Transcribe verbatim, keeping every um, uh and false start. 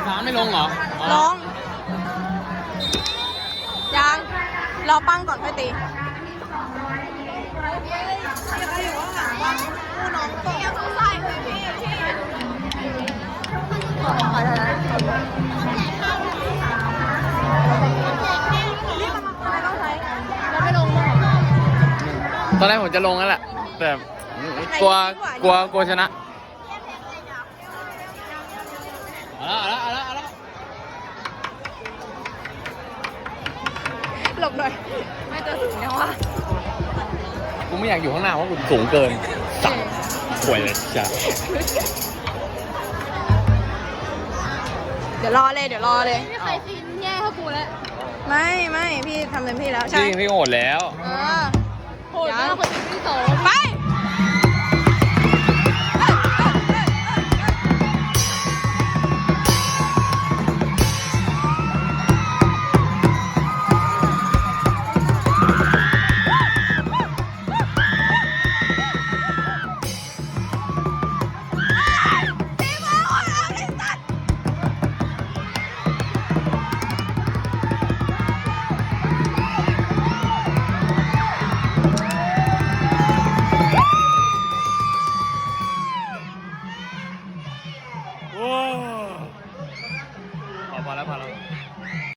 ฟ้าไม่ลงเหรอลงยังรอปั้งก่อนค่อยตีอยู่ข้างหลังว่าผู้น้องตกยังใส่เลยพี่พี่ขอขอได้แล้วนี่มันอะไรต้องใช้แล้วไม่ลงหรอตอนแรกผมจะลงแล้วแหละแต่กลัวกลัวกลัวชนะเอาละเอาละเอาละหลบหน่อยไม่ตัวสูงเนี่ยว่ะกูไม่อยากอยู่ข้างหน้าเพราะกูสูงเกินสับป่วยเลยจ้ะเดี๋ยวรอเลยเดี๋ยวรอเลยไม่เคยซีนแย่เท่ากูแล้วไม่ไม่พี่ทำเต็มที่แล้วจใช่ริงพี่โหดแล้วเออโหดมากคนที่สองไป